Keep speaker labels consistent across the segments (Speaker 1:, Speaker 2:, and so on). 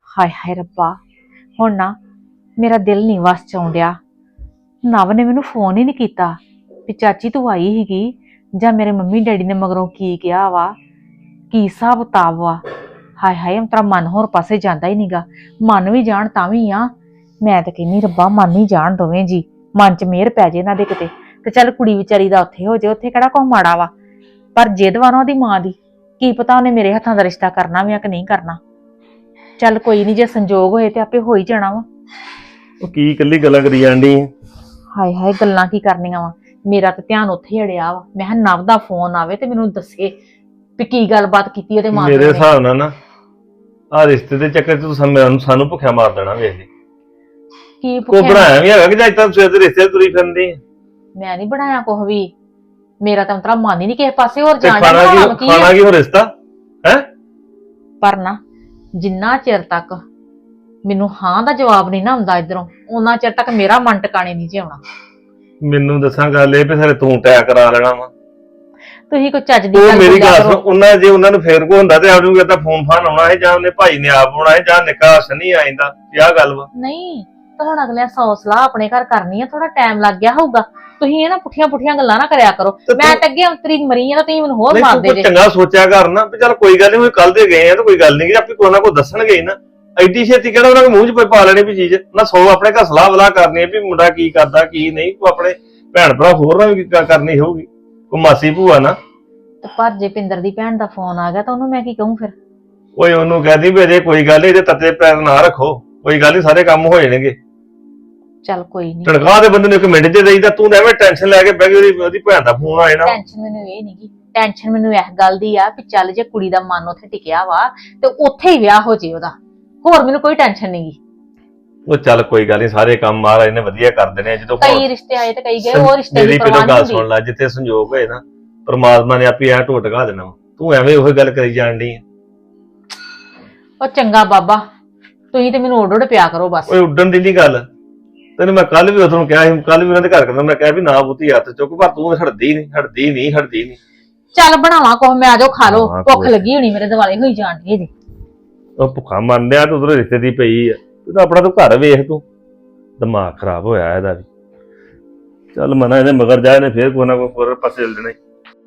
Speaker 1: ਹਾਏ ਹਾਏ ਰੱਬਾ, ਹੁਣ ਨਾ ਮੇਰਾ ਦਿਲ ਨਹੀਂ ਵਸ ਚ ਆਉਣ ਡਿਆ। ਨਵ ਨੇ ਮੈਨੂੰ ਫੋਨ ਹੀ ਨਹੀਂ ਕੀਤਾ ਵੀ ਚਾਚੀ ਤੂੰ ਆਈ ਸੀਗੀ, ਜਾਂ ਮੇਰੇ ਮੰਮੀ ਡੈਡੀ ਨੇ ਮਗਰੋਂ ਕੀ ਕਿਹਾ ਵਾ, ਕੀ ਹਿਸਾਬ ਕਿਤਾਬ ਵਾ। ਹਾਏ ਹਾਏ ਤੇਰਾ ਮਨ ਹੋਰ ਪਾਸੇ ਜਾਂਦਾ ਹੀ ਨਹੀਂਗਾ। ਮਨ ਵੀ ਜਾਣ ਤਾਂ ਵੀ ਆ, ਮੈਂ ਤਾਂ ਕਹਿੰਨੀ ਰੱਬਾ ਮਨ ਹੀ ਜਾਣ ਦੋਵੇਂ ਜੀ, ਮਨ ਚ ਮਿਹਰ ਪੈ ਜੇ ਇਹਨਾਂ ਦੇ ਕਿਤੇ। ਤੇ ਚੱਲ ਕੁੜੀ ਵਿਚਾਰੀ ਦਾ ਉੱਥੇ ਹੋ ਜੇ, ਉੱਥੇ ਕਿਹੜਾ ਕੋਈ ਮਾੜਾ ਵਾ, ਪਰ ਜਿੱਦ ਵਾ ਨਾ ਉਹਦੀ ਮਾਂ ਦੀ, ਕੀ ਪਤਾ ਉਹਨੇ ਮੇਰੇ ਹੱਥਾਂ ਦਾ ਰਿਸ਼ਤਾ ਕਰਨਾ ਵੀ ਆ ਕਿ ਨਹੀਂ ਕਰਨਾ। ਚੱਲ ਕੋਈ ਨਹੀਂ, ਜੇ ਸੰਜੋਗ ਹੋਏ ਤੇ ਆਪੇ ਹੋ ਹੀ ਜਾਣਾ ਵਾ।
Speaker 2: ਉਹ ਕੀ ਇਕੱਲੀ ਗੱਲਾਂ ਕਰੀ ਜਾਂਦੀ ਹੈ?
Speaker 1: ਹਾਏ ਹਾਏ ਗੱਲਾਂ ਕੀ ਕਰਨੀਆਂ ਵਾ, ਮੇਰਾ ਤਾਂ ਧਿਆਨ ਉੱਥੇ ਹੀ ਅੜਿਆ ਵਾ। ਮੈਂ ਕਿਹਾ ਨਵ ਦਾ ਫੋਨ ਆਵੇ ਤੇ ਮੈਨੂੰ ਦੱਸੇ ਵੀ ਕੀ ਗੱਲਬਾਤ ਕੀਤੀ ਉਹਦੇ ਮਾਂ
Speaker 2: ਮੇਰੇ
Speaker 1: ਨੇ।
Speaker 2: ਹਿਸਾਬ ਨਾਲ ਨਾ ਆ ਰਿਸ਼ਤੇ ਦੇ ਚੱਕਰ ਚ ਤੂੰ ਸਾਨੂੰ ਭੁੱਖਿਆ ਮਾਰ ਦੇਣਾ। ਵੇਖ ਲਈ
Speaker 1: ਕੀ
Speaker 2: ਕੋਈ
Speaker 1: ਪੁੱਛਿਆ?
Speaker 2: ਬਣਾਇਆ ਵੀ ਹੈਗਾ ਕਿ ਜਾਂ ਤਾਂ ਸਵੇਰ ਦੇ ਰਿਸ਼ਤੇ ਤੁਰੀ ਫਿਰਦੀ?
Speaker 1: ਮੈਂ ਨਹੀਂ ਬਣਾਇਆ ਕੁਛ ਵੀ, ਮੇਰਾ ਤਾਂ ਤੇਰਾ ਮਨ ਹੀ ਨਹੀਂ ਕਿਸੇ ਪਾਸੇ ਹੋਰ
Speaker 2: ਤੇ
Speaker 1: ਜਾਣ
Speaker 2: ਖਾਣਾ
Speaker 1: ਦਾ।
Speaker 2: ਕੀ ਹੋ ਰਿਸ਼ਤਾ ਹੈ?
Speaker 1: ਪਰ ਨਾ ਜਿੰਨਾ ਚਿਰ ਤੱਕ ਮੈਨੂੰ ਹਾਂ ਦਾ ਜਵਾਬ ਨਹੀਂ ਨਾ ਆਉਂਦਾ ਇਧਰੋਂ, ਉਹਨਾਂ ਚਿਰ ਤੱਕ ਮੇਰਾ ਮਨ ਟਿਕਾਣੇ ਨਹੀਂ ਜਿਉਣਾ।
Speaker 2: ਮੈਨੂੰ ਦੱਸਾਂ ਗੱਲ ਇਹ ਵੀ ਸਾਰੇ ਤੂੰ ਟੈਕ ਕਰਾ ਲੈਣਾ ਵਾ।
Speaker 1: ਤੁਸੀਂ ਕੋਈ ਚੱਜ ਦੀ
Speaker 2: ਉਹ
Speaker 1: ਗੱਲ
Speaker 2: ਮੇਰੀ
Speaker 1: ਬੋਲਿਆ
Speaker 2: ਗੱਲ ਸੁਣ,
Speaker 1: ਕਰੋ।
Speaker 2: ਉਹਨਾਂ ਨੂੰ ਫੇਰ ਕੋ ਹੁੰਦਾ ਤੇ ਆਪ ਨੂੰ ਕਹਿੰਦਾ ਫੋਨ ਫਾਨ ਆਉਣਾ ਹੈ, ਜਾਂ ਉਹਨੇ ਭਾਈ ਨੇ ਆਪ ਆਉਣਾ ਹੈ, ਜਾਂ ਨਿੱਕਾ ਸਨੀ ਆਇੰਦਾ। ਕੀ ਗੱਲ ਵਾ?
Speaker 1: ਨਹੀਂ ਤਾਂ ਹੁਣ ਅਗਲੇ 100 ਸਲਾਹ ਆਪਣੇ ਘਰ ਕਰਨੀ ਆ, ਥੋੜਾ ਟਾਈਮ ਲੱਗ ਗਿਆ ਹੋਊਗਾ। ਤੁਸੀਂ ਇਹ ਨਾ ਪੁੱਠੀਆਂ ਗੱਲਾਂ ਨਾ ਕਰਿਆ ਕਰੋ। ਮੈਂ ਤਾਂ ਅੱਗੇ ਅੰਤਰੀ ਮਰੀ ਆ ਤਾਂ ਤੁਸੀਂ ਮੈਨੂੰ ਹੋਰ
Speaker 2: ਨਹੀਂ
Speaker 1: ਮਾਰਦੇ
Speaker 2: ਤੂੰ
Speaker 1: ਜੇ।
Speaker 2: ਚੰਗਾ ਸੋਚਿਆ ਕਰ ਨਾ ਵੀ ਚੱਲ ਕੋਈ ਗੱਲ ਨਹੀਂ, ਕੱਲ ਦੇ ਗਏ ਆ ਤਾਂ ਕੋਈ ਗੱਲ ਨਹੀਂ, ਆਪੇ ਕੋਈ ਨਾ ਕੋਈ ਦੱਸਣਗੇ ਹੀ ਨਾ। ਐਡੀ ਛੇਤੀ ਕਿਹੜਾ ਉਹਨਾਂ ਦੇ ਮੂੰਹ 'ਚ ਪਾ ਲੈਣੀ ਵੀ ਚੀਜ਼ ਨਾ। ਸੌ ਆਪਣੇ ਘਰ ਸਲਾਹ ਵਲਾ ਕਰਨੀ ਵੀ ਮੁੰਡਾ ਕੀ ਕਰਦਾ ਕੀ ਨਹੀਂ। ਤੂੰ ਆਪਣੇ ਭੈਣ ਭਰਾ ਹੋਰ ਨਾਲ ਵੀ ਕਰਨੀ ਹੋਊਗੀ, ਕੋਈ ਮਾਸੀ ਭੂਆ ਨਾ।
Speaker 1: ਤੇ ਪਰ ਜੇ ਪਿੰਦਰ ਦੀ ਭੈਣ ਦਾ ਫੋਨ ਆ ਗਿਆ ਤਾਂ ਉਹਨੂੰ ਮੈਂ ਕੀ ਕਹੂੰ ਫਿਰ?
Speaker 2: ਓਏ ਉਹਨੂੰ ਕਹਦੀ ਵੀ ਅਜੇ ਕੋਈ ਗੱਲ ਨਹੀਂ, ਇਹਦੇ ਤੱਤੇ ਪੈਰ ਨਾ ਰੱਖੋ, ਕੋਈ ਗੱਲ ਨਹੀਂ, ਸਾਰੇ ਕੰਮ ਹੋ ਜਾਣਗੇ।
Speaker 1: ਚੱਲ ਕੋਈ ਨਹੀਂ,
Speaker 2: ਤਨਖਾਹ ਦੇ ਬੰਦੇ ਨੂੰ 1 ਮਿੰਟ 'ਚ ਦੇਈਦਾ, ਤੂੰ ਐਵੇਂ ਟੈਨਸ਼ਨ ਲੈ ਕੇ ਬਹਿ ਗਈ ਉਹਦੀ ਭੈਣ ਦਾ ਫੋਨ ਆਏ ਨਾ।
Speaker 1: ਟੈਨਸ਼ਨ ਮੈਨੂੰ ਇਹ ਨਹੀਂਗੀ, ਟੈਨਸ਼ਨ ਮੈਨੂੰ ਇਸ ਗੱਲ ਦੀ ਆ ਵੀ ਚੱਲ ਜੇ ਕੁੜੀ ਦਾ ਮਨ ਉੱਥੇ ਟਿਕਿਆ ਵਾ ਤੇ ਉੱਥੇ ਹੀ ਵਿਆਹ ਹੋ ਜੇ ਉਹਦਾ, ਹੋਰ ਮੈਨੂੰ ਕੋਈ ਟੈਨਸ਼ਨ ਨਹੀਂਗੀ।
Speaker 2: ਉਹ ਚੱਲ ਕੋਈ ਗੱਲ ਨਹੀਂ, ਸਾਰੇ ਕੰਮ ਮਹਾਰਾਜ ਨੇ ਵਧੀਆ ਕਰ ਦੇਣੇ। ਜਦੋਂ
Speaker 1: ਕਈ ਰਿਸ਼ਤੇ ਆਏ ਤੇ ਕਈ ਗਏ, ਉਹ ਰਿਸ਼ਤੇ ਦੀ
Speaker 2: ਮੇਰੀ
Speaker 1: ਪਰਵਾਹ
Speaker 2: ਪਹਿਲਾਂ ਗੱਲ
Speaker 1: ਨਹੀਂ
Speaker 2: ਸੁਣ ਲੈ, ਜਿੱਥੇ ਸੰਜੋਗ ਹੋਏ ਨਾ ਪਰਮਾਤਮਾ ਨੇ ਆਪੇ ਐ ਢੋਟ ਢਾ ਦੇਣਾ। ਤੂੰ ਐਵੇਂ ਉਹੀ ਗੱਲ ਕਰੀ ਜਾਣ ਡਈ।
Speaker 1: ਉਹ ਚੰਗਾ ਬਾਬਾ, ਤੁਸੀਂ ਤੇ ਮੈਨੂੰ ਉੱਡ ਪਿਆ ਕਰੋ ਬਸ।
Speaker 2: ਓਏ ਉੱਡਣ ਦੀ ਨਹੀਂ ਗੱਲ, ਤੈਨੂੰ ਮੈਂ ਕੱਲ ਵੀ ਉਦੋਂ ਕਿਹਾ ਸੀ, ਕੱਲ ਵੀ ਉਹਨਾਂ ਦੇ ਘਰ ਕਹਿੰਦਾ, ਮੈਂ ਕਿਹਾ ਵੀ ਨਾ ਬੁੱਤੀ ਹੱਥ ਚੁੱਕ, ਪਰ ਤੂੰ ਹਟਦੀ ਨਹੀਂ।
Speaker 1: ਚੱਲ ਬਣਾਵਾ ਕੁਛ, ਮੈਂ ਆਜੋ ਖਾ ਲੋ,
Speaker 2: ਹਾਂ,
Speaker 1: ਭੁੱਖ
Speaker 2: ਕੋਈ
Speaker 1: ਲੱਗੀ ਹੋਣੀ ਮੇਰੇ ਦਿਵਾਲੇ ਹੋਈ ਜਾਣ ਦੀ ਜੀ।
Speaker 2: ਉਹ ਭੁੱਖਾ ਮੰਨਦਿਆ ਤੂੰ ਉਧਰੋਂ ਰਿਸ਼ਤੇ ਦੀ ਪਈ ਆ, ਤੂੰ ਤਾਂ ਆਪਣਾ ਤੂੰ ਘਰ ਵੇਖ, ਤੂੰ ਦਿਮਾਗ ਖਰਾਬ ਹੋਇਆ ਇਹਦਾ ਵੀ। ਚੱਲ ਮਨਾ ਇਹਦੇ ਮਗਰ ਜਾ, ਇਹਨੇ ਫੇਰ ਕੋਈ ਨਾ ਕੋਈ ਹੋਰ ਪਾਸੇ ਚੱਲ ਜਾਣਾ।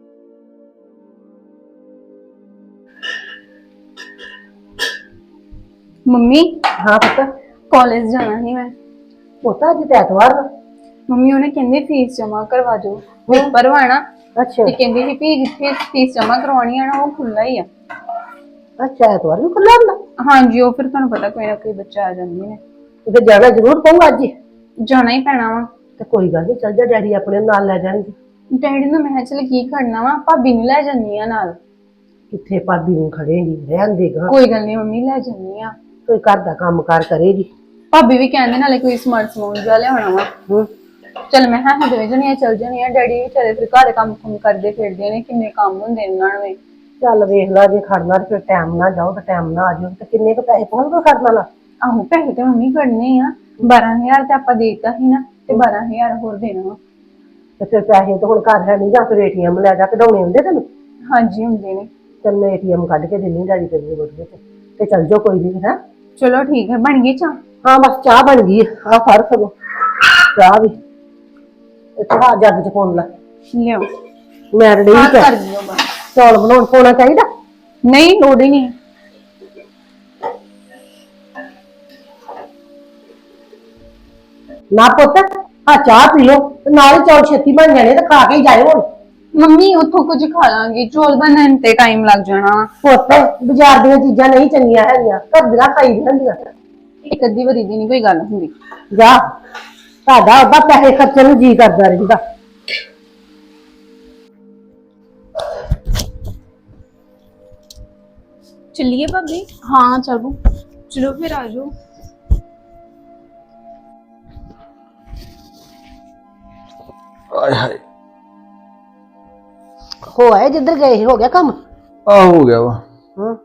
Speaker 3: ਮੰਮੀ
Speaker 4: ਹਾਂ ਪੁੱਤ,
Speaker 3: ਕਾਲਜ ਜਾਣਾ ਨਹੀਂ ਮੈਂ।
Speaker 4: ਪੁੱਤ ਅੱਜ ਤੇ ਐਤਵਾਰ ਵਾ।
Speaker 3: ਮੰਮੀ ਉਹਨੇ ਕਹਿੰਦੀ ਫੀਸ ਜਮਾ ਕਰਵਾ ਜੋ, ਪੇਪਰ ਵਾਣਾ
Speaker 4: ਅੱਛਾ
Speaker 3: ਤੇ ਕਹਿੰਦੀ ਸੀ ਵੀ ਜਿੱਥੇ ਫੀਸ ਜਮਾ ਕਰਵਾਉਣੀ ਆ ਨਾ ਉਹ ਖੁੱਲਾ ਹੀ ਆ।
Speaker 4: ਅੱਛਾ, ਐਤਵਾਰ ਨੂੰ ਖੁੱਲਾ ਹੁੰਦਾ?
Speaker 3: ਹਾਂਜੀ, ਉਹ ਫਿਰ ਤੁਹਾਨੂੰ ਪਤਾ ਕੋਈ ਨਾ ਕੋਈ ਬੱਚਾ ਆ ਜਾਂਦੇ ਨੇ,
Speaker 4: ਤੇ ਜਾਣਾ ਜ਼ਰੂਰ ਪਊ ਅੱਜ ਹੀ।
Speaker 3: ਜਾਣਾ ਹੀ ਪੈਣਾ ਵਾ।
Speaker 4: ਤੇ ਕੋਈ ਗੱਲ ਨਹੀਂ, ਚੱਲ ਜਾ, ਡੈਡੀ ਆਪਣੇ ਨਾਲ ਲੈ ਜਾਣਗੇ।
Speaker 3: ਡੈਡੀ ਨੂੰ ਮੈਂ ਕਿਹਾ ਚੱਲ ਕੀ ਖੜਨਾ ਵਾ, ਭਾਬੀ ਨੂੰ ਲੈ ਜਾਂਦੀ ਆ ਨਾਲ।
Speaker 4: ਕਿੱਥੇ ਭਾਬੀ ਨੂੰ ਖੜੇਗੀ, ਰਹਿਣ ਦੇਗਾ।
Speaker 3: ਕੋਈ ਗੱਲ ਨਹੀਂ ਮੰਮੀ, ਲੈ ਜਾਂਦੀ ਆ।
Speaker 4: ਕੋਈ ਘਰ ਦਾ ਕੰਮ ਕਾਰ ਕਰੇਗੀ।
Speaker 3: ਭਾਬੀ ਵੀ ਕਹਿੰਦੇ ਨਾਲੇ ਕੋਈ ਸਮੂਨ ਜਿਹਾ ਲਿਆਉਣਾ ਵਾ। ਚੱਲ ਮੈਂ ਹਾਂ ਦੋਵੇਂ ਜਣੀਆਂ ਚੱਲ ਜਾਣੀਆਂ, ਡੈਡੀ ਵਿਚਾਰੇ ਫਿਰ ਘਰ ਦੇ ਕੰਮ ਕਰਦੇ ਫਿਰਦੇ ਨੇ, ਕਿੰਨੇ ਕੰਮ ਹੁੰਦੇ ਇਹਨਾਂ ਨੂੰ।
Speaker 4: ਚੱਲ ਵੇਖ ਲਾ, ਜੇ ਖੜਨਾ ਤੇ ਫਿਰ ਟਾਈਮ ਨਾਲ ਜਾਓ ਤੇ ਟਾਈਮ ਨਾਲ ਆ ਜਾਓ। ਤੇ ਕਿੰਨੇ ਕੁ ਪੈਸੇ ਪਾਉਣਗੇ ਖੜਨਾ ਲਾ?
Speaker 3: ਆਹੋ ਪੈਸੇ ਤੇ ਮੰਮੀ ਕੱਢਨੇ ਆ, 12,000 ਤੇ ਆਪਾਂ ਦੇਤਾ ਸੀ ਨਾ, ਤੇ 12,000 ਹੋਰ ਦੇਣਾ ਵਾ।
Speaker 4: ਤੇ ਫਿਰ ਪੈਸੇ ਤਾਂ ਹੁਣ ਘਰ ਹੈ ਨਹੀਂ, ਜਾਂ ਫਿਰ ATM ਲੈ ਜਾ, ਕਢਾਉਣੇ ਹੁੰਦੇ ਤੈਨੂੰ?
Speaker 3: ਹਾਂਜੀ ਹੁੰਦੇ ਨੇ।
Speaker 4: ਚੱਲ ਮੈਂ ATM ਕੱਢ ਕੇ ਦਿੰਦੀ ਡੈਡੀ ਤੇਰੇ ਕੋਲ, ਤੇ ਚੱਲ ਜਾਓ, ਕੋਈ ਨਹੀਂ ਹੈ।
Speaker 3: ਚਲੋ ਠੀਕ ਹੈ, ਬਣ ਗਈ ਚਾਹ?
Speaker 4: ਹਾਂ ਬਸ ਚਾਹ ਬਣ ਗਈ ਆ, ਫੜ ਸਗੋਂ ਚਾਹ ਵੀ ਇੱਥੇ ਆ ਜੱਗ ਚ ਪਾਉਣ ਲੈ।
Speaker 3: ਲਿਓ
Speaker 4: ਮੈਂ ਰੜੀ
Speaker 3: ਕਰ ਦਿਓ ਬਸ।
Speaker 4: ਚੌਲ ਬਣਾਉਣ ਪਾਉਣਾ ਚਾਹੀਦਾ?
Speaker 3: ਨਹੀਂ ਲੋੜ ਹੀ ਨਹੀਂ।
Speaker 4: ਨਾ ਪੁੱਤ, ਆ ਚਾਹ ਪੀ ਲਓ ਤੇ ਨਾਲ ਹੀ ਚੌਲ ਛੇਤੀ ਬਣ ਜਾਣੇ, ਤੇ ਖਾ ਕੇ ਹੀ ਜਾਇਓ ਹੁਣ।
Speaker 3: ਮੰਮੀ ਉੱਥੋਂ ਕੁਝ ਖਾ ਲਾਂਗੇ, ਚੌਲ ਬਣਨ ਤੇ ਟਾਈਮ ਲੱਗ ਜਾਣਾ।
Speaker 4: ਪੁੱਤ ਬਾਜ਼ਾਰ ਦੀਆਂ ਚੀਜ਼ਾਂ ਨਹੀਂ ਚੰਗੀਆਂ ਹੈਗੀਆਂ, ਘਰ ਦੀਆਂ ਖਾਈ ਦੀਆਂ ਹੁੰਦੀਆਂ।
Speaker 3: ਇੱਕ ਅੱਧੀ ਵਾਰੀ ਦੀ ਨਹੀਂ ਕੋਈ ਗੱਲ ਹੁੰਦੀ।
Speaker 4: ਜਾ, ਤੁਹਾਡਾ ਉਹਦਾ ਪੈਸੇ ਖਰਚਣ ਨੂੰ ਜੀ ਕਰਦਾ ਰਹਿੰਦਾ।
Speaker 3: ਚੱਲੀਏ ਭਾਬੀ? ਹਾਂ ਚਲੋ, ਚਲੋ ਫਿਰ ਆ ਜਾਓ।
Speaker 2: ਆਏ ਹਾਏ,
Speaker 4: ਹੋ ਆਏ ਜਿੱਧਰ ਗਏ ਸੀ, ਹੋ ਗਿਆ ਕੰਮ?
Speaker 2: ਆ ਹੋ ਗਿਆ ਵਾ।
Speaker 4: ਹਾਂ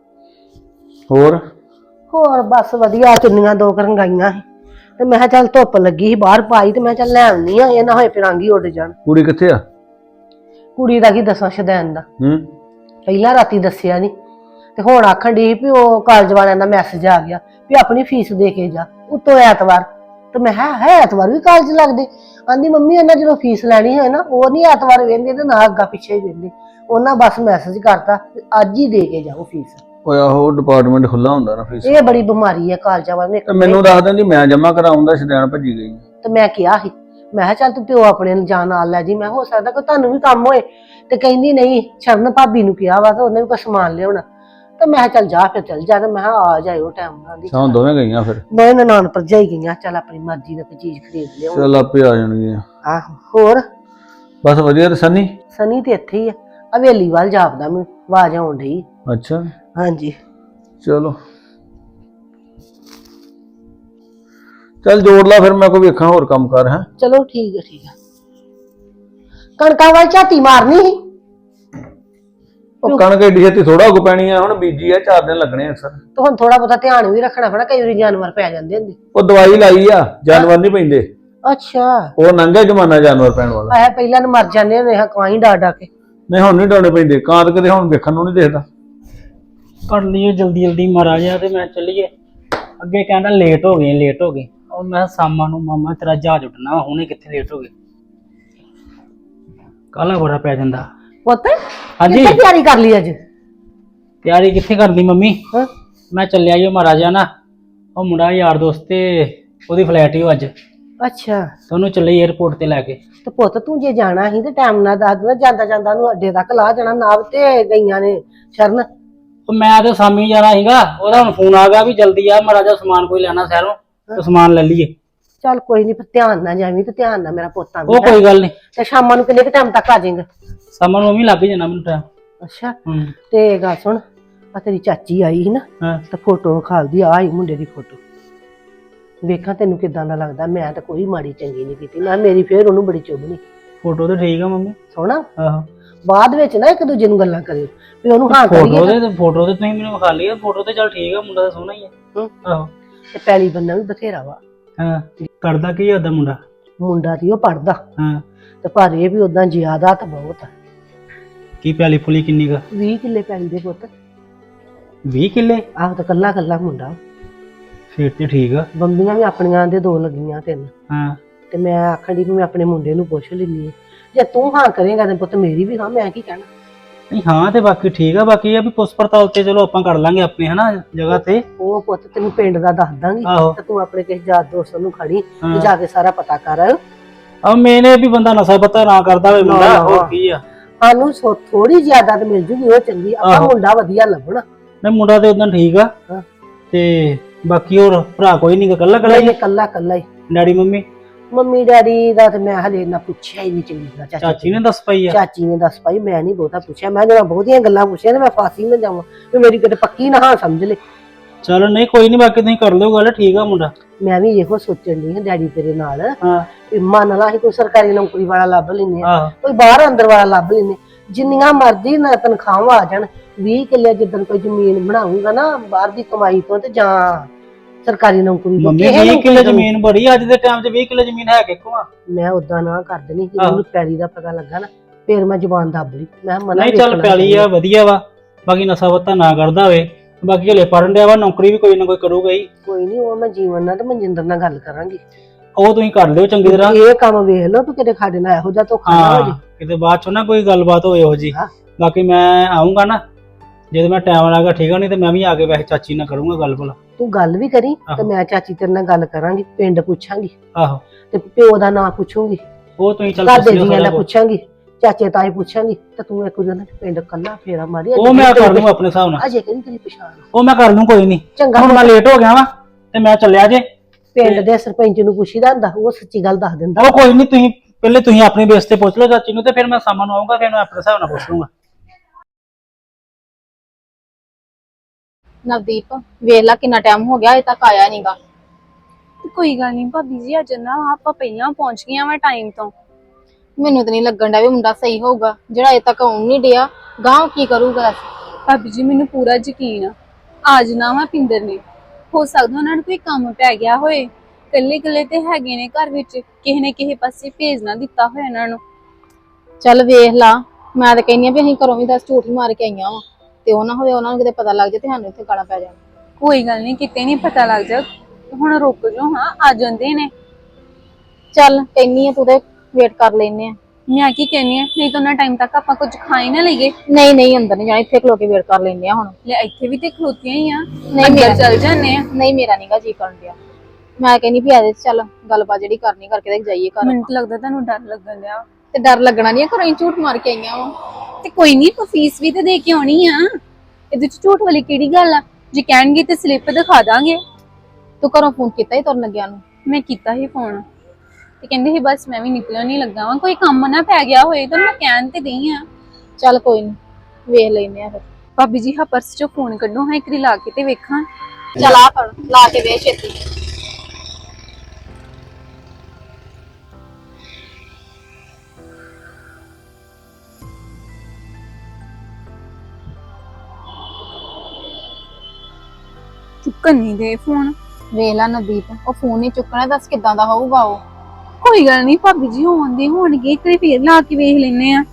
Speaker 2: ਹੋਰ
Speaker 4: ਬਸ ਵਧੀਆ, ਚੁੰਨੀਆਂ 2 ਕਰਨ ਗਾਈਆਂ ਸੀ ਤੇ ਮੈਂ ਕਿਹਾ ਚੱਲ ਧੁੱਪ ਲੱਗੀ ਸੀ ਬਾਹਰ ਪਾਈ, ਤੇ ਮੈਂ ਚੱਲ ਲੈ ਆਉਣੀ ਆ, ਇਹ ਨਾ ਹੋਏ ਫਿਰਾਂਗੀ ਉੱਡ ਜਾਣ।
Speaker 2: ਕੁੜੀ ਕਿੱਥੇ ਆ?
Speaker 4: ਕੁੜੀ ਦਾ ਕੀ ਦੱਸਾਂ, ਸ਼ਦੈਨ ਦਾ। ਪਹਿਲਾਂ ਰਾਤੀ ਦੱਸਿਆ ਨਹੀਂ, ਤੇ ਹੁਣ ਆਖਣ ਦੀ ਵੀ ਉਹ ਕਾਲਜ ਵਾਲਿਆਂ ਦਾ ਮੈਸੇਜ ਆ ਗਿਆ ਵੀ ਆਪਣੀ ਫੀਸ ਦੇ ਕੇ ਜਾ ਉਤੋਂ ਐਤਵਾਰ। ਤੇ ਮੈਂ ਕਿਹਾ ਹੈ ਐਤਵਾਰ ਵੀ ਕਾਲਜ ਲੱਗਦੇ? ਆਂਦੀ ਮੰਮੀ ਉਹਨਾਂ ਜਦੋਂ ਫੀਸ ਲੈਣੀ ਹੋਏ ਨਾ ਉਹ ਨਹੀਂ ਐਤਵਾਰ ਵੇਂਦੇ ਤੇ ਨਾ ਅੱਗਾ ਪਿੱਛੇ ਹੀ ਵੇਂਦੇ, ਉਹਨਾਂ ਬਸ ਮੈਸੇਜ ਕਰਤਾ ਵੀ ਅੱਜ ਹੀ ਦੇ ਕੇ ਜਾਓ ਫੀਸ।
Speaker 5: ਓਏ ਆਹੋ ਡਿਪਾਰਟਮੈਂਟ ਖੁੱਲਾ ਹੁੰਦਾ ਨਾ ਫੀਸ।
Speaker 4: ਇਹ ਬੜੀ ਬਿਮਾਰੀ ਹੈ ਕਾਲਜਾਂ ਵਾਲਿਆਂ
Speaker 5: ਤੇ
Speaker 4: ਨੇ।
Speaker 5: ਮੈਨੂੰ ਦੱਸ ਦਿੰਦੀ ਮੈਂ ਜਮਾ ਕਰਾਉਂਦਾ ਸ਼ਦੈਣ ਭੱਜੀ ਗਈ।
Speaker 4: ਤੇ ਮੈਂ ਕਿਹਾ ਸੀ, ਮੈਂ ਕਿਹਾ ਚੱਲ ਤੂੰ ਪਿਓ ਆਪਣੇ ਨੂੰ ਜਾਂ ਨਾਲ ਲੈ ਜੀ, ਮੈਂ ਹੋ ਸਕਦਾ ਕੋਈ ਤੁਹਾਨੂੰ ਵੀ ਕੰਮ ਹੋਏ। ਤੇ ਕਹਿੰਦੀ ਨਹੀਂ, ਸ਼ਰਨ ਭਾਬੀ ਨੂੰ ਕਿਹਾ ਵਾ ਤੇ ਉਹਨੇ ਵੀ ਕੋਈ ਸਮਾਨ ਲਿਆਉਣਾ। ਤੇ ਮੈਂ ਕਿਹਾ ਚੱਲ ਜਾ ਫਿਰ ਚੱਲ ਜਾ, ਤੇ ਮੈਂ ਕਿਹਾ ਆ ਜਾਇਓ ਟਾਈਮ ਨਾਲ ਦੀ।
Speaker 5: ਸ਼ਾਮ ਦੋਵੇਂ ਗਈਆਂ ਫਿਰ।
Speaker 4: ਮੈਂ ਨਨਾਣ ਭਰਜਾਈ ਗਈਆਂ, ਚੱਲ ਆਪਣੀ ਮਰਜ਼ੀ ਨਾਲ ਕੋਈ ਚੀਜ਼ ਖਰੀਦ ਲਿਆਓ।
Speaker 5: ਚੱਲ ਆਪੇ ਆ ਜਾਣਗੀਆਂ।
Speaker 4: ਆਹੋ ਹੋਰ
Speaker 5: ਬਸ ਵਧੀਆ। ਤੇ ਸਨੀ?
Speaker 4: ਸਨੀ ਤੇ ਇੱਥੇ ਹੀ ਆ, ਹਵੇਲੀ ਵੱਲ ਜਾਪਦਾ ਮੈਨੂੰ ਆਵਾਜ਼ ਆਉਣ ਡਈ।
Speaker 5: ਅੱਛਾ
Speaker 4: ਹਾਂਜੀ
Speaker 5: ਚਲੋ ਚੱਲ ਜੋੜ ਲਾ ਫਿਰ, ਮੈਂ ਕੋਈ ਵੇਖਾਂ ਹੋਰ ਕੰਮ ਕਰ। ਹੈ
Speaker 4: ਚਲੋ ਠੀਕ ਹੈ ਠੀਕ ਹੈ। ਕਣਕਾਂ ਵੱਲ ਝਾਤੀ ਮਾਰਨੀ ਸੀ।
Speaker 5: ਉਹ ਕਣਕ ਏਡੀ ਛੇਤੀ ਥੋੜਾ ਉੱਗ ਪੈਣੀ ਆ, ਹੁਣ ਬੀਜੀ ਆ 4 ਦਿਨ ਲੱਗਣੇ ਅਕਸਰ।
Speaker 4: ਤੇ ਹੁਣ ਥੋੜਾ ਬਹੁਤਾ ਧਿਆਨ ਵੀ ਰੱਖਣਾ ਪੈਣਾ, ਕਈ ਵਾਰੀ ਜਾਨਵਰ ਪੈ ਜਾਂਦੇ ਹੁੰਦੇ।
Speaker 5: ਉਹ ਦਵਾਈ ਲਾਈ ਆ, ਜਾਨਵਰ ਨਹੀਂ ਪੈਂਦੇ।
Speaker 4: ਅੱਛਾ
Speaker 5: ਉਹ ਨੰਗਾ ਜਮਾਨਾ ਜਾਨਵਰ ਪੈਣ ਵਾਲਾ।
Speaker 4: ਆਹ ਪਹਿਲਾਂ ਨੂੰ ਮਰ ਜਾਂਦੇ ਹੁੰਦੇ ਹਾਂ ਕਾਈ ਡਾ ਡਾ ਕੇ।
Speaker 5: ਨਹੀਂ ਹੁਣ ਨਹੀਂ ਡਾਉਣੇ ਪੈਂਦੇ, ਕਾਂਤ ਕਿਤੇ ਹੁਣ ਵੇਖਣ ਨੂੰ ਨਹੀਂ ਦੇਖਦਾ।
Speaker 6: ਕਰ ਲਈਏ ਜਲਦੀ ਜਲਦੀ ਮਹਾਰਾਜਾ ਤੇ ਮੈਂ ਚੱਲੀਏ। ਅੱਗੇ ਕਹਿੰਦਾ ਲੇਟ ਹੋ ਗਏ। ਉਹ ਮੈਂ ਸ਼ਾਮਾਂ ਨੂੰ ਮਾਮਾ ਤੇਰਾ ਜਹਾਜ਼ ਉੱਡਣਾ ਵਾ, ਹੁਣੇ ਕਿੱਥੇ ਲੇਟ ਹੋ ਗਏ। ਕਾਹਲਾ ਬੜਾ ਪੈ ਜਾਂਦਾ।
Speaker 4: ਪੁੱਤ
Speaker 6: ਹਾਂਜੀ।
Speaker 4: ਕਿੱਥੇ ਤਿਆਰੀ ਕਰ ਲਈ ਅੱਜ?
Speaker 6: ਤਿਆਰੀ ਕਿੱਥੇ ਕਰਦੀ ਮੰਮੀ,
Speaker 4: ਹਾਂ
Speaker 6: ਮੈਂ ਚੱਲਿਆ ਜੀ ਮਹਾਰਾਜਾ ਨਾ, ਉਹ ਮੁੰਡਾ ਯਾਰ ਦੋਸਤ ਤੇ ਉਹਦੀ ਫਲੈਟ ਹੀ ਅੱਜ,
Speaker 4: ਅੱਛਾ
Speaker 6: ਤੇ ਉਹਨੂੰ ਚੱਲੇ 에어ਪੋਰਟ ਤੇ ਲੈ ਕੇ।
Speaker 4: ਤੇ ਪੁੱਤ ਤੂੰ ਜੇ ਜਾਣਾ ਸੀ ਤੇ ਟਾਈਮ ਨਾਲ ਦੱਸ ਦੇਣਾ, ਜਾਂਦਾ ਜਾਂਦਾ ਨੂੰ ਅੱਡੇ ਤੱਕ ਲਾ ਜਾਣਾ। ਨਾਬ ਤੇ ਗਈਆਂ ਨੇ ਸ਼ਰਨ।
Speaker 6: ਉਹ ਮੈਂ ਤੇ ਸਾਮੀ ਜਾਣਾ ਸੀਗਾ, ਉਹਦਾ ਹੁਣ ਫੋਨ ਆ ਗਿਆ ਵੀ ਜਲਦੀ ਆ ਮਹਾਰਾਜਾ, ਸਮਾਨ ਕੋਈ ਲੈਣਾ ਸ਼ਹਿਰੋਂ, ਤੇ ਸਮਾਨ ਲੈ ਲਈਏ।
Speaker 4: ਚੱਲ ਕੋਈ ਨਹੀਂ, ਧਿਆਨ ਨਾਲ ਜਾਵੀਂ ਤੇ ਧਿਆਨ ਨਾਲ ਮੇਰਾ ਪੁੱਤ ਆਂਦਾ।
Speaker 6: ਉਹ ਕੋਈ ਗੱਲ ਨਹੀਂ,
Speaker 4: ਤੇ ਸ਼ਾਮਾਂ ਨੂੰ ਕਿੰਨੇ ਕੁ ਟਾਈਮ ਤੱਕ ਆ ਜਾਏਗਾ?
Speaker 6: ਸ਼ਾਮਾਂ ਨੂੰ ਮੰਮੀ ਲੱਗ ਜਾਣਾ ਮੈਨੂੰ ਟਾਈਮ।
Speaker 4: ਅੱਛਾ ਤੇ ਗੱਲ ਸੁਣ, ਆ ਤੇਰੀ ਚਾਚੀ ਆਈ ਸੀ ਨਾ,
Speaker 6: ਹਾਂ
Speaker 4: ਤੇ ਫੋਟੋ ਖਾਲਦੀ ਆ ਹੀ ਮੁੰਡੇ ਦੀ ਫੋਟੋ। ਵੇਖਾਂ ਤੈਨੂੰ ਕਿਦਾਂ ਦਾ ਲੱਗਦਾ। ਮੈਂ ਤਾਂ ਕੋਈ ਮਾੜੀ ਚੰਗੀ ਨਹੀਂ ਕੀਤੀ, ਮੈਂ ਮੇਰੀ ਫੇਰ ਉਹਨੂੰ ਬੜੀ ਚੁੱਭਣੀ।
Speaker 6: ਫੋਟੋ ਤੇ ਠੀਕ ਆ ਮੰਮੀ।
Speaker 4: ਸੋਹਣਾ।
Speaker 6: ਆਹੋ
Speaker 4: ਬਾਅਦ ਵਿੱਚ ਨਾ ਇੱਕ ਦੂਜੇ ਨੂੰ ਗੱਲਾਂ ਕਰਿਓ ਵੀ ਉਹਨੂੰ ਹਾਂ ਕਰੀਏ
Speaker 6: ਫੋਟੋ ਤੇ ਤੁਸੀਂ ਮੈਨੂੰ ਵਿਖਾ ਲਈ, ਫੋਟੋ ਤੇ ਚੱਲ ਠੀਕ ਆ, ਮੁੰਡਾ ਤਾਂ ਸੋਹਣਾ ਹੀ ਆ। ਆਹੋ
Speaker 4: ਤੇ ਪੈਲੀ ਬੰਨਾ ਵੀ ਬਥੇਰਾ ਵਾ।
Speaker 6: ਹਾਂ ਕਰਦਾ ਕੀ ਉਹਦਾ ਮੁੰਡਾ?
Speaker 4: ਮੁੰਡਾ ਦੀ ਉਹ ਪੜਦਾ,
Speaker 6: ਹਾਂ
Speaker 4: ਤੇ ਪਰ ਇਹ ਵੀ ਉਦਾਂ ਜ਼ਿਆਦਾ ਤਾਂ ਬਹੁਤ ਆ।
Speaker 6: ਕੀ ਪੈਲੀ ਪੁਲੀ ਕਿੰਨੀ ਕ?
Speaker 4: 20 ਕਿੱਲੇ ਪੈਲੀ ਦੇ ਪੁੱਤ।
Speaker 6: 20 ਕਿੱਲੇ?
Speaker 4: ਆਹ ਤਾਂ ਕੱਲਾ ਕੱਲਾ ਮੁੰਡਾ।
Speaker 6: ਫੇਰ ਤੇ ਠੀਕ ਆ।
Speaker 4: ਬੰਬੀਆਂ ਵੀ ਆਪਣੀਆਂ ਦੇ 2 ਲੱਗੀਆਂ 3।
Speaker 6: ਹਾਂ
Speaker 4: ਤੇ ਮੈਂ ਆਖਣ ਦੀ ਵੀ ਮੈਂ ਆਪਣੇ ਮੁੰਡੇ ਨੂੰ ਪੁੱਛ ਲੈਂਦੀ ਹਾਂ, ਜੇ ਤੂੰ ਹਾਂ ਕਰੇਗਾ ਤੇ ਪੁੱਤ ਮੇਰੀ ਵੀ ਹਾਂ, ਮੈਂ ਕੀ ਕਹਿਣਾ।
Speaker 6: ਨਹੀਂ ਹਾਂ ਤੇ ਬਾਕੀ ਠੀਕ ਆ, ਬਾਕੀ ਇਹ ਵੀ ਪੁੱਛ ਪੜਤਾਲ ਤੇ ਚਲੋ ਆਪਾਂ ਕਰ ਲਾਂਗੇ ਆਪਣੇ ਹਨਾ ਜਗ੍ਹਾ ਤੇ।
Speaker 4: ਉਹ ਪੁੱਤ ਤੈਨੂੰ ਪਿੰਡ ਦਾ ਦੱਸ ਦਾਂਗੀ,
Speaker 6: ਆਹੋ
Speaker 4: ਤੇ ਤੂੰ ਆਪਣੇ ਕਿਸੇ ਯਾਰ ਦੋਸਤ ਨੂੰ ਖੜੀ ਤੇ
Speaker 6: ਹਾਂ।
Speaker 4: ਜਾ ਕੇ ਸਾਰਾ ਪਤਾ ਕਰ।
Speaker 6: ਆ ਮੈਨੇ ਵੀ ਬੰਦਾ ਨਸ਼ਾ ਪਤਾ ਨਾ ਕਰਦਾ ਹੋਵੇ ਮੁੰਡਾ,
Speaker 4: ਨਾ।
Speaker 6: ਹੋਰ ਕੀ ਆ।
Speaker 4: ਸਾਨੂੰ ਥੋੜੀ ਜ਼ਿਆਦਾ ਤੇ ਮਿਲ ਜੂਗੀ, ਉਹ ਚੰਗੀ। ਆਪਾਂ
Speaker 6: ਆਹੋ।
Speaker 4: ਮੁੰਡਾ ਵਧੀਆ ਲੱਭਣਾ।
Speaker 6: ਨਹੀਂ ਮੁੰਡਾ ਤੇ ਉਦੋਂ ਠੀਕ ਆ।
Speaker 4: ਹਾਂ।
Speaker 6: ਤੇ ਬਾਕੀ ਹੋਰ ਭਰਾ ਕੋਈ ਨਹੀਂ, ਕੱਲਾ ਕੱਲਾ ਹੀ?
Speaker 4: ਕੱਲਾ ਕੱਲਾ ਹੀ।
Speaker 6: Daddy mummy?
Speaker 4: ਮੰਮੀ ਡੈਡੀ ਦਾ ਤੇ ਮੈਂ ਹਲੇ ਨਾ ਪੁੱਛਿਆ ਹੀ ਨਹੀਂ ਚੰਗੀ ਤਰ੍ਹਾਂ।
Speaker 6: ਚਾਚੀ ਨੇ ਦੱਸ ਪਈ ਆ?
Speaker 4: ਚਾਚੀ ਨੇ ਦੱਸ ਪਾਈ, ਮੈਂ ਨਹੀਂ ਬਹੁਤਾ ਪੁੱਛਿਆ। ਮੈਂ ਜਿਹੜਾ ਬਹੁਤੀਆਂ ਗੱਲਾਂ ਪੁੱਛੀਆਂ ਤੇ ਮੈਂ ਫਾਸੀ ਨਾ ਜਾਵਾਂ ਵੀ ਮੇਰੀ ਕਿਤੇ ਪੱਕੀ ਨਾ ਹਾਂ ਸਮਝ ਲੈ।
Speaker 6: ਚਲੋ ਨਹੀਂ ਕੋਈ ਨਹੀਂ, ਬਾਕੀ ਤੁਸੀਂ ਕਰ ਲਿਓ ਗੱਲ, ਠੀਕ ਆ ਮੁੰਡਾ।
Speaker 4: ਮੈਂ ਵੀ ਇਹੋ ਸੋਚਣ ਦੀ ਹਾਂ ਡੈਡੀ ਤੇਰੇ ਨਾਲ
Speaker 6: ਹਾਂ
Speaker 4: ਵੀ ਮੰਨ ਲਾ ਅਸੀਂ ਕੋਈ ਸਰਕਾਰੀ ਨੌਕਰੀ ਵਾਲਾ ਲੱਭ ਲੈਂਦੇ ਆ,
Speaker 6: ਆਹੋ
Speaker 4: ਕੋਈ ਬਾਹਰ ਅੰਦਰ ਵਾਲਾ ਲੱਭ ਲੈਂਦੇ, ਜਿੰਨੀਆਂ ਮਰਜ਼ੀ ਨਾ ਤਨਖਾਹਾਂ ਆ ਜਾਣ। 20 ਕਿੱਲੇ ਜਿੱਦਣ ਕੋਈ ਜ਼ਮੀਨ ਬਣਾਉਂਗਾ ਨਾ ਬਾਹਰ ਦੀ ਕਮਾਈ ਤੋਂ, ਤੇ ਜਾਂ ਸਰਕਾਰੀ ਨੌਕਰੀ ਤੋਂ,
Speaker 6: ਮੰਮੀ
Speaker 4: ਕਿਸੇ
Speaker 6: 20
Speaker 4: ਨੌਕਰੀ
Speaker 6: ਕਿੱਲੇ
Speaker 4: ਤੋਂ।
Speaker 6: ਜ਼ਮੀਨ ਬੜੀ ਅੱਜ ਦੇ ਟਾਈਮ 'ਚ, 20 ਕਿੱਲੇ ਜ਼ਮੀਨ ਹੈ ਕਿੱਥੋਂ ਆ?
Speaker 4: ਮੈਂ ਉਦਾਂ ਨਾ ਕਰ ਦੇਣੀ, ਜਦੋਂ
Speaker 6: ਆਹੋ।
Speaker 4: ਮੈਨੂੰ ਪੈਲੀ ਦਾ ਪਤਾ ਲੱਗਾ ਨਾ ਫੇਰ ਮੈਂ ਜ਼ੁਬਾਨ ਦੱਬ ਲਈ। ਮੈਂ ਮਨਾ
Speaker 6: ਨਹੀਂ ਚੱਲ ਪੈਲੀ ਆ ਵਧੀਆ ਵਾ, ਬਾਕੀ ਨਸ਼ਾ ਪੱਤਾ ਨਾ ਕਰਦਾ ਹੋਵੇ। ਬਾਕੀ ਹਲੇ ਪੜਨ ਡਿਆ ਵਾ, ਨੌਕਰੀ ਵੀ ਕੋਈ ਨਾ ਕੋਈ ਕਰੂਗਾ ਹੀ।
Speaker 4: ਕੋਈ ਨਹੀਂ, ਉਹ ਮੈਂ ਜੀਵਨ ਨਾਲ ਤੇ ਮਨਜਿੰਦਰ ਨਾਲ ਗੱਲ ਕਰਾਂਗੀ।
Speaker 6: ਉਹ ਤੁਸੀਂ ਕਰ ਲਿਓ ਚੰਗੀ ਤਰ੍ਹਾਂ।
Speaker 4: ਇਹ ਕੰਮ ਵੇਖ ਲਓ ਤੂੰ ਕਿਤੇ ਸਾਡੇ ਨਾਲ ਇਹੋ ਜਿਹਾ ਧੋਖਾ ਨਾ ਹੋ
Speaker 6: ਹਾਂ
Speaker 4: ਜੇ।
Speaker 6: ਕਿਤੇ ਬਾਅਦ ਚੋਂ ਨਾ ਕੋਈ ਗੱਲਬਾਤ ਹੋਵੇ ਇਹੋ ਜੀ।
Speaker 4: ਹਾਂ।
Speaker 6: ਬਾਕੀ ਮੈਂ ਆਉਂਗਾ ਨਾ ਜਦੋਂ ਮੈਂ ਟਾਈਮ ਲਾਗਾ, ਠੀਕ ਆ, ਨਹੀਂ ਤੇ ਮੈਂ ਵੀ ਆ ਕੇ ਵੈਸੇ ਚਾਚੀ ਨਾਲ ਕਰੂੰਗਾ ਗੱਲ ਭਲਾ।
Speaker 4: ਤੂੰ ਗੱਲ ਵੀ ਕਰੀ ਤੇ
Speaker 6: ਆਹੋ।
Speaker 4: ਮੈਂ ਚਾਚੀ ਤੇਰੇ ਨਾਲ ਗੱਲ ਕਰਾਂਗੀ, ਪਿੰਡ ਪੁੱਛਾਂਗੀ
Speaker 6: ਆਹੋ
Speaker 4: ਤੇ ਪਿਓ ਦਾ ਨਾਂ ਪੁੱਛੂੰਗੀ,
Speaker 6: ਉਹ ਤੁਸੀਂ ਚੱਲ
Speaker 4: ਘਰ ਦੇ
Speaker 6: ਪੁੱਛ ਲਿਓ
Speaker 4: ਜੀਆਂ ਦਾ
Speaker 6: ਸਾਰਾ ਕੁਛ।
Speaker 4: ਪੁੱਛਾਂਗੀ, ਚਾਚੇ ਤਾਏ ਪੁੱਛਾਂਗੀ, ਤੇ ਤੂੰ ਇੱਕ ਦਿਨ ਪਿੰਡ ਕੱਲਾ ਫੇਰਾ ਮਾਰੀ।
Speaker 6: ਉਹ ਮੈਂ ਕਰ ਲੂੰਗਾ ਆਪਣੇ ਹਿਸਾਬ ਨਾਲ,
Speaker 4: ਅਜੇ ਕਹਿੰਦੀ ਤੇਰੀ ਪਛਾਣ
Speaker 6: ਉਹ ਮੈਂ ਕਰ ਲੂੰ ਕੋਈ ਨਹੀਂ।
Speaker 4: ਚੰਗਾ।
Speaker 6: ਹੁਣ ਮੈਂ ਲੇਟ ਹੋ ਗਿਆ ਵਾ ਤੇ ਮੈਂ ਚੱਲਿਆ ਜੇ।
Speaker 4: ਪਿੰਡ ਦੇ ਸਰਪੰਚ ਨੂੰ ਪੁੱਛੀਦਾ ਹੁੰਦਾ, ਉਹ ਸੱਚੀ ਗੱਲ ਦੱਸ ਦਿੰਦਾ।
Speaker 6: ਉਹ ਕੋਈ ਨਹੀਂ, ਤੁਸੀਂ ਪਹਿਲੇ ਤੁਸੀਂ ਆਪਣੇ ਬੇਸ ਤੇ ਪੁੱਛ ਲਓ ਚਾਚੀ ਨੂੰ, ਤੇ ਫਿਰ ਮੈਂ ਸ਼ਾਮਾਂ ਨੂੰ ਆਉਂਗਾ, ਫਿਰ ਮੈਂ ਆਪਣੇ ਹਿਸਾਬ ਨਾਲ ਪੁੱਛ ਲੂੰਗਾ।
Speaker 3: ਨਵਦੀਪ ਵੇਖ ਲਾ ਕਿੰਨਾ ਟਾਈਮ ਹੋ ਗਿਆ, ਅਜੇ ਤੱਕ ਆਇਆ ਨਹੀਂਗਾ।
Speaker 7: ਕੋਈ ਗੱਲ ਨਹੀਂ ਭਾਬੀ ਜੀ, ਅੱਜ ਨਾ ਆਪਾਂ ਪਹਿਲਾਂ ਪਹੁੰਚ ਗਈਆਂ ਵਾ ਟਾਈਮ ਤੋਂ।
Speaker 3: ਮੈਨੂੰ ਤਾਂ ਨਹੀਂ ਲੱਗਣ ਡਿਆ ਵੀ ਮੁੰਡਾ ਸਹੀ ਹੋਊਗਾ, ਜਿਹੜਾ ਅਜੇ ਤੱਕ ਆਉਣ ਨਹੀਂ ਡਿਆ। ਗਾਂਹ ਕੀ ਕਰੂਗਾ?
Speaker 7: ਭਾਬੀ ਜੀ ਮੈਨੂੰ ਪੂਰਾ ਯਕੀਨ ਆ, ਅੱਜ ਨਾ ਵਾ ਪਿੰਦਰ ਨੇ, ਹੋ ਸਕਦਾ ਉਹਨਾਂ ਨੂੰ ਕੋਈ ਕੰਮ ਪੈ ਗਿਆ ਹੋਏ। ਕੱਲੇ ਕੱਲੇ ਤੇ ਹੈਗੇ ਨੇ ਘਰ ਵਿੱਚ, ਕਿਸੇ ਨੇ ਕਿਸੇ ਪਾਸੇ ਭੇਜ ਨਾ ਦਿੱਤਾ ਹੋਇਆ ਇਹਨਾਂ ਨੂੰ।
Speaker 3: ਚੱਲ ਵੇਖ ਲਾ, ਮੈਂ ਤਾਂ ਕਹਿੰਦੀ ਆ ਵੀ ਅਸੀਂ ਘਰੋਂ ਵੀ 10 ਝੂਠ ਹੀ ਮਾਰ ਕੇ ਆਈਆਂ ਵਾ,
Speaker 8: ਕਿਤੇ ਉਹ ਨਾ ਹੋਵੇ ਉਹਨਾਂ ਨੂੰ ਕਿਤੇ ਪਤਾ ਲੱਗ ਜਾਏ ਤੇ ਸਾਨੂੰ ਇੱਥੇ ਗਾਲਾਂ ਪੈ ਜਾਣ।
Speaker 7: ਕੋਈ ਗੱਲ ਨਹੀਂ, ਕਿਤੇ ਨਹੀਂ ਪਤਾ ਲੱਗ ਜਾ। ਹੁਣ ਰੁਕ ਜਾਓ, ਹਾਂ ਆ ਜਾਂਦੇ ਨੇ।
Speaker 8: ਚੱਲ ਕਹਿੰਨੀ ਆ, ਤੂੰ ਤੇ ਵੇਟ ਕਰ ਲੈਨੇ ਆ।
Speaker 7: ਮੈਂ ਕੀ ਕਹਿੰਨੀ ਆ, ਨਹੀਂ ਤਾਂ ਉਹਨਾਂ ਟਾਈਮ ਤੱਕ ਆਪਾਂ ਕੁਝ ਖਾ ਹੀ ਨਾ ਲਈਏ।
Speaker 8: ਨਹੀਂ ਨਹੀਂ ਅੰਦਰ ਨਹੀਂ ਜਾਣਾ, ਇੱਥੇ ਖਲੋ ਕੇ ਵੇਟ ਕਰ ਲੈਨੇ ਆ ਹੁਣ।
Speaker 7: ਲੈ ਇੱਥੇ ਵੀ ਤੇ ਖਲੋਤੀਆਂ ਹੀ ਆ,
Speaker 8: ਨਹੀਂ
Speaker 7: ਅੰਦਰ
Speaker 8: ਮੇਰਾ
Speaker 7: ਚੱਲ ਜਾਂਦੇ ਆ।
Speaker 8: ਨਹੀਂ ਮੇਰਾ ਨੀਗਾ ਜੀ ਕਰਨ ਡਿਆ। ਮੈਂ ਕਹਿੰਨੀ ਵੀ ਆ ਜਾ, ਚੱਲ ਗੱਲਬਾਤ ਜਿਹੜੀ ਕਰਨੀ ਕਰਕੇ ਤੇ ਜਾਈਏ ਘਰ।
Speaker 7: ਮੈਨੂੰ ਤਾਂ ਲੱਗਦਾ ਤੁਹਾਨੂੰ ਡਰ ਲੱਗਣ ਡਿਆ।
Speaker 8: ਤੇ ਡਰ ਲੱਗਣਾ ਨਹੀਂ, ਘਰੋਂ ਹੀ ਝੂਠ ਮਾਰ ਕੇ ਆਈਆਂ ਵਾ।
Speaker 7: ਤੇ ਕੋਈ ਨਹੀਂ, ਆਪਾਂ ਫੀਸ ਵੀ ਤੇ ਦੇ ਕੇ ਆਉਣੀ ਆ। ਇਹਦੇ ਚ ਝੂਠ ਵਾਲੀ ਕਿਹੜੀ ਗੱਲ ਆ? ਜੇ ਕਹਿਣਗੇ ਤੇ ਸਲਿੱਪ ਦਿਖਾ ਦਾਂਗੇ।
Speaker 8: ਤੂੰ ਘਰੋਂ ਫੋਨ ਕੀਤਾ ਹੀ ਤੁਰਨ ਲੱਗਿਆ ਨੂੰ?
Speaker 7: ਮੈਂ ਕੀਤਾ ਸੀ ਫੋਨ, ਤੇ ਕਹਿੰਦੇ ਸੀ ਬਸ ਮੈਂ ਵੀ ਨਿਕਲਣ ਨਹੀਂ ਲੱਗਾ ਵਾਂ, ਕੋਈ ਕੰਮ ਨਾ ਪੈ ਗਿਆ ਹੋਏ ਤਾਂ ਮੈਂ ਕਹਿਣ ਤੇ ਗਈ ਆ।
Speaker 8: ਚੱਲ ਕੋਈ ਨਹੀਂ, ਵੇਖ ਲੈਨੇ ਆ ਫਿਰ।
Speaker 7: ਭਾਬੀ ਜੀ, ਹਾਂ ਪਰਸ ਚੋਂ ਫੋਨ ਕੱਢੋ, ਹਾਂ ਇੱਕ ਵਾਰੀ ਲਾ ਕੇ ਤੇ ਵੇਖਾਂ।
Speaker 8: ਚੱਲ ਆ ਫੜ, ਲਾ ਕੇ ਵੇਖ ਛੇਤੀ।
Speaker 7: ਚੁੱਕਣ ਨਹੀਂ ਦੇ ਫੋਨ।
Speaker 8: ਵੇਖ ਲੈ ਨਵਦੀਪ, ਉਹ ਫੋਨ ਨਹੀਂ ਚੁੱਕਣਾ, ਦੱਸ ਕਿੱਦਾਂ ਦਾ ਹੋਊਗਾ ਉਹ।
Speaker 7: ਕੋਈ ਗੱਲ ਨਹੀਂ ਭਾਬੀ ਜੀ, ਹੋਣਗੇ ਇੱਕ ਵਾਰੀ ਫੇਰ ਲਾ ਕੇ ਵੇਖ ਲੈਨੇ ਆ।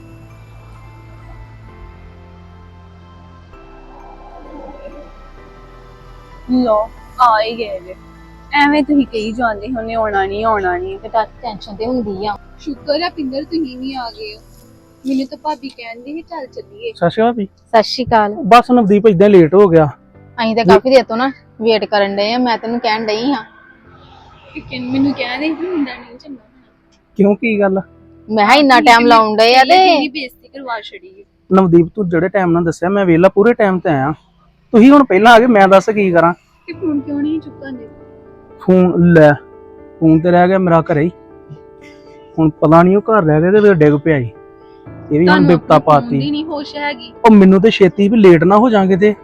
Speaker 7: ਲੋ ਆ ਹੀ ਗਏ ਜੇ। ਐਵੇਂ ਤੁਸੀਂ ਕਹੀ ਜਾਂਦੇ ਹੁੰਨੇ ਆਉਣਾ ਨਹੀਂ।
Speaker 8: ਤੇ ਟੈਨਸ਼ਨ ਤੇ ਹੁੰਦੀ ਆ।
Speaker 7: ਸ਼ੁਕਰ ਆ ਪਿੰਦਰ ਤੁਸੀਂ ਵੀ ਆ ਗਏ ਹੋ। ਮੈਨੂੰ ਤਾਂ ਭਾਬੀ ਕਹਿੰਦੀ ਸੀ ਚੱਲ ਚੱਲੀਏ।
Speaker 6: ਸਤਿ ਸ਼੍ਰੀ ਅਕਾਲ ਵੀ।
Speaker 8: ਸਤਿ ਸ਼੍ਰੀ ਅਕਾਲ।
Speaker 6: ਬਸ ਨਵਦੀਪ ਇਦਾਂ ਲੇਟ ਹੋ ਗਿਆ।
Speaker 8: ਅਸੀਂ ਤਾਂ ਕਾਫੀ ਦੇਰ ਤੋਂ ਨਾ ਵੇਟ ਕਰਨ ਡਏ ਆ, ਮੈਂ ਤੈਨੂੰ ਕਹਿਣ ਡਈ ਹਾਂ।
Speaker 7: ਮੈਨੂੰ ਕਹਿੰਦੇ ਸੀ ਮੁੰਡਾ ਨਹੀਂ ਚੰਗਾ ਹੋਣਾ।
Speaker 6: ਕਿਉਂ, ਕੀ ਗੱਲ?
Speaker 8: ਮੈਂ ਕਿਹਾ ਇੰਨਾ ਟਾਈਮ ਲਾਉਣ ਡਏ ਆ ਤੇ
Speaker 7: ਮੇਰੀ ਬੇਇੱਜ਼ਤੀ ਕਰਵਾ ਛੜੀ।
Speaker 6: ਨਵਦੀਪ ਤੂੰ ਜਿਹੜੇ ਟਾਈਮ ਨਾਲ ਦੱਸਿਆ ਮੈਂ ਵੇਲਾ ਪੂਰੇ ਟਾਈਮ ਤੇ ਆਇਆ। ਤੁਸੀਂ ਹੁਣ ਪਹਿਲਾਂ ਆ ਗਏ, ਮੈਂ ਦੱਸ ਕੀ ਕਰਾਂ।
Speaker 7: ਤੇ ਫੋਨ ਕਿਉਂ ਨਹੀਂ ਚੁੱਕਾਂਗੇ?
Speaker 6: ਫੋਨ ਲੈ, ਫੋਨ ਤੇ ਰਹਿ ਗਿਆ ਮੇਰਾ ਘਰੇ ਹੀ। ਹੁਣ ਪਤਾ ਨਹੀਂ ਉਹ ਘਰ ਰਹਿ ਗਿਆ ਤੇ ਡਿੱਗ ਪਿਆ ਈ। ਇਹ ਵੀ ਹੁਣ ਬਿਪਤਾ ਪਾਤੀ।
Speaker 7: ਨਹੀਂ ਹੋਸ਼ ਹੈਗੀ।
Speaker 6: ਉਹ ਮੈਨੂੰ ਤੇ ਛੇਤੀ ਵੀ ਲੇਟ ਨਾ ਹੋ ਜਾਾਂਗੇ ਤੇ।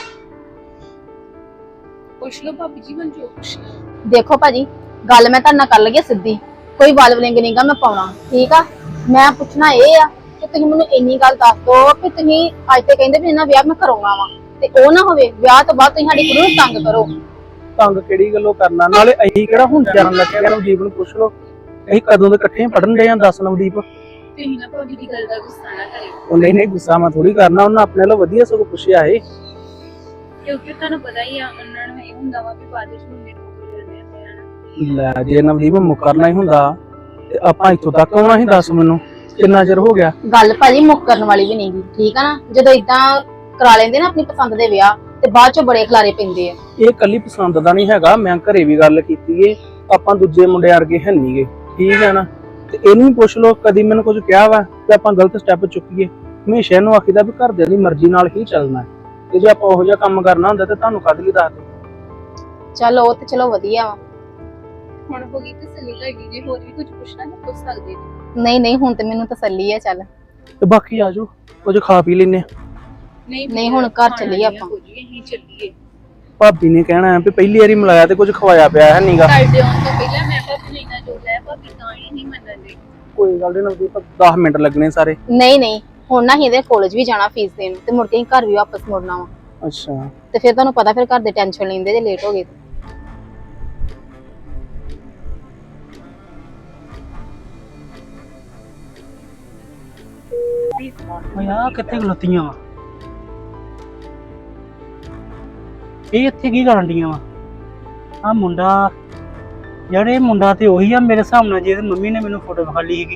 Speaker 7: ਪੁੱਛ ਲਓ ਭਾਬੀ ਜੀ, ਮੈਨੂੰ ਜੋ ਪੁੱਛਣਾ।
Speaker 8: ਦੇਖੋ ਭਾਜੀ, ਗੱਲ ਮੈਂ ਤੁਹਾਡੇ ਨਾਲ ਕਰ ਲਈਏ ਸਿੱਧੀ, ਕੋਈ ਵੱਲ ਵਲਿੰਗ ਨਹੀਂਗਾ ਮੈਂ ਪਾਉਣਾ, ਠੀਕ ਆ। ਮੈਂ ਪੁੱਛਣਾ ਇਹ ਆ ਕਿ ਤੁਸੀਂ ਮੈਨੂੰ ਇੰਨੀ ਗੱਲ ਦੱਸ ਦੋ ਕਿ ਤੁਸੀਂ ਅੱਜ ਤੇ ਕਹਿੰਦੇ ਵੀ ਇਹਨਾਂ ਵਿਆਹ ਮੈਂ ਕਰਾਉਣਾ ਵਾ, ਤੇ ਉਹ ਨਾ ਹੋਵੇ ਵਿਆਹ ਤੋਂ ਬਾਅਦ ਤੁਸੀਂ ਸਾਡੀ ਕੁੜੀ ਨੂੰ ਤੰਗ ਕਰੋ।
Speaker 6: ਤੰਗ ਕਿਹੜੀ ਗੱਲੋਂ ਕਰਨਾ? ਨਾਲੇ ਅਸੀਂ ਕਿਹੜਾ ਹੁਣ ਜਰਨ ਲੱਗੇ? ਨਵਦੀਪ ਨੂੰ ਪੁੱਛ ਲਓ, ਅਸੀਂ ਕਦੋਂ ਦੇ ਇਕੱਠੇ ਪੜਨ ਡਏ ਆਂ। ਦੱਸ ਨਵਦੀਪ।
Speaker 7: ਤੁਸੀਂ ਨਾ ਭਾਬੀ ਦੀ ਗੱਲ ਦਾ ਗੁੱਸਾ ਨਾ ਕਰਿਓ,
Speaker 6: ਉਹ ਨਹੀਂ ਗੁੱਸਾ ਮੈਂ ਥੋੜੀ ਕਰਨਾ, ਉਹਨਾਂ ਆਪਣੇ ਨਾਲ ਵਧੀਆ ਸਗੋਂ ਪੁੱਛਿਆ ਏ।
Speaker 7: ਕਿਉਂਕਿ ਤੁਹਾਨੂੰ ਪਤਾ ਹੀ ਆ ਉਹਨਾਂ ਨੂੰ ਇਹ ਹੁੰਦਾ ਵਾ ਵੀ ਬਾਅਦ ਵਿੱਚ ਮੁੰਡੇ ਨੂੰ ਕੋਈ ਲੈਣੇ ਆ।
Speaker 6: ਲੈ, ਜੇ ਨਵਦੀਪ ਮੁੱਕਰਨਾ ਹੀ ਹੁੰਦਾ ਤੇ ਆਪਾਂ ਇੱਥੋਂ ਤੱਕ ਆਉਣਾ ਸੀ। ਦੱਸ ਮੈਨੂੰ ਕਿੰਨਾ ਚਿਰ ਹੋ ਗਿਆ?
Speaker 8: ਗੱਲ ਭਾਜੀ ਮੁੱਕਰਨ ਵਾਲੀ ਵੀ ਨਹੀਂਗੀ, ਠੀਕ ਆ ਨਾ। ਜਦੋਂ ਇਦਾਂ ਕਰਾ ਲੈਂਦੇ ਨਾ ਆਪਣੀ ਪਸੰਦ ਦੇ ਵਿਆਹ, ਤੇ ਬਾਅਦ ਚੋਂ ਬੜੇ ਖਲਾਰੇ ਪੈਂਦੇ ਆ।
Speaker 6: ਇਹ ਕੱਲੀ ਪਸੰਦ ਦਾ ਨਹੀਂ ਹੈਗਾ, ਮੈਂ ਘਰੇ ਵੀ ਗੱਲ ਕੀਤੀ ਏ। ਆਪਾਂ ਦੂਜੇ ਮੁੰਡੇ ਵਰਗੇ ਹੈ ਨਹੀਂਗੇ, ਠੀਕ ਹੈ ਨਾ। ਤੇ ਇਹਨੂੰ ਵੀ ਪੁੱਛ ਲਓ, ਕਦੀ ਮੈਨੂੰ ਕੁਝ ਕਿਹਾ ਵਾ ਤੇ ਆਪਾਂ ਗਲਤ ਸਟੈਪ ਚੁੱਕੀਏ? ਹਮੇਸ਼ਾ ਇਹਨੂੰ ਆਖੀਦਾ ਵੀ ਘਰਦਿਆਂ ਦੀ ਮਰਜ਼ੀ ਨਾਲ ਹੀ ਚੱਲਣਾ, ਤੇ ਜੇ ਆਪਾਂ ਉਹੋ ਜਿਹਾ ਕੰਮ ਕਰਨਾ ਹੁੰਦਾ ਤੇ ਤੁਹਾਨੂੰ ਕਦ ਲਈ ਦੱਸ ਦੇ।
Speaker 8: ਚੱਲ ਉਹ ਤੇ ਚਲੋ ਵਧੀਆ ਵਾ।
Speaker 7: ਹੁਣ ਹੋ ਗਈ ਤਸੱਲੀ ਤੁਹਾਡੀ, ਜੇ ਹੋਰ ਵੀ ਕੁਝ ਪੁੱਛਣਾ ਤਾਂ ਪੁੱਛ ਸਕਦੇ ਜੀ।
Speaker 8: ਨਹੀਂ ਹੁਣ ਤੇ ਮੈਨੂੰ ਤਸੱਲੀ ਆ। ਚੱਲ
Speaker 6: ਤੇ ਬਾਕੀ ਆਜੋ ਕੁਝ ਖਾ ਪੀ ਲੈਨੇ।
Speaker 8: ਨਹੀਂ ਹੁਣ ਘਰ ਚੱਲੀਏ ਆਪਾਂ।
Speaker 7: ਅਸੀਂ ਚੱਲੀਏ।
Speaker 6: ਭਾਬੀ ਨੇ ਕਹਿਣਾ ਵੀ ਪਹਿਲੀ ਵਾਰੀ ਮਿਲਾਇਆ ਤੇ ਕੁਝ ਖਵਾਇਆ ਪਿਆ ਹੈ ਨਹੀਂਗਾ।
Speaker 7: ਸਾਡੇ ਆਉਣ ਤੋਂ ਪਹਿਲਾਂ ਮੈਂ ਭਾਬੀ ਨੂੰ ਇੰਨਾ ਜੋੜਿਆ, ਭਾਬੀ ਤਾਂ ਹੀ ਨਹੀਂ ਮੰਨਦੇ।
Speaker 6: ਕੋਈ ਗੱਲ ਨਹੀਂ ਨਵਦੀਪ, 10 ਮਿੰਟ ਲੱਗਣੇ ਸਾਰੇ।
Speaker 8: ਨਹੀਂ ਹੁਣ ਨਾ ਇਹਦੇ ਕਾਲਜ ਵੀ ਜਾਣਾ ਫੀਸ ਦੇਣ, ਤੇ ਮੁੜ ਕੇ ਘਰ ਵੀ ਵਾਪਸ ਮੁੜਨਾ ਵਾ।
Speaker 6: ਅੱਛਾ,
Speaker 8: ਤੇ ਫਿਰ ਤੁਹਾਨੂੰ ਪਤਾ ਫਿਰ ਘਰ ਦੇ ਟੈਨਸ਼ਨ ਲੈਂਦੇ ਜੇ ਲੇਟ ਹੋ ਗਏ।
Speaker 6: ਆ ਕਿੱਥੇ ਖਲੋਤੀਆਂ ਵਾ? ਇਹ ਇੱਥੇ ਕੀ ਕਰਨ ਡੀਆਂ ਵਾ? ਆ ਮੁੰਡਾ ਯਾਰ, ਇਹ ਮੁੰਡਾ ਤੇ ਉਹੀ ਆ ਮੇਰੇ ਹਿਸਾਬ ਨਾਲ, ਜਿਹਦੀ ਮੰਮੀ ਨੇ ਮੈਨੂੰ ਫੋਟੋ ਵਿਖਾ ਲਈ ਸੀਗੀ।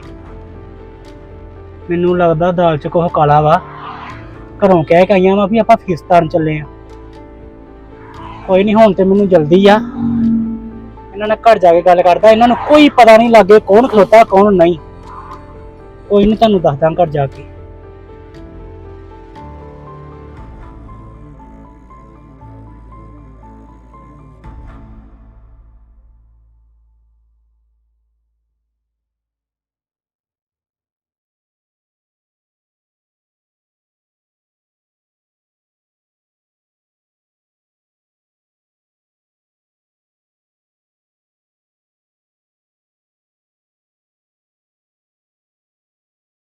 Speaker 6: ਮੈਨੂੰ ਲੱਗਦਾ ਦਾਲ ਚ ਕੁਛ ਕਾਲਾ ਵਾ। ਘਰੋਂ ਕਹਿ ਕੇ ਆਈਆਂ ਵਾ ਵੀ ਆਪਾਂ ਫੀਸ ਤਾਰਨ ਚੱਲੇ ਆ। ਕੋਈ ਨਹੀਂ, ਹੁਣ ਤੇ ਮੈਨੂੰ ਜਲਦੀ ਆ। ਇਹਨਾਂ ਨਾਲ ਘਰ ਜਾ ਕੇ ਗੱਲ ਕਰਦਾ। ਇਹਨਾਂ ਨੂੰ ਕੋਈ ਪਤਾ ਨਹੀਂ ਲੱਗੇ ਕੌਣ ਖਲੋਤਾ ਕੌਣ ਨਹੀਂ। ਕੋਈ ਨਹੀਂ, ਤੁਹਾਨੂੰ ਦੱਸਦਾ ਘਰ ਜਾ ਕੇ।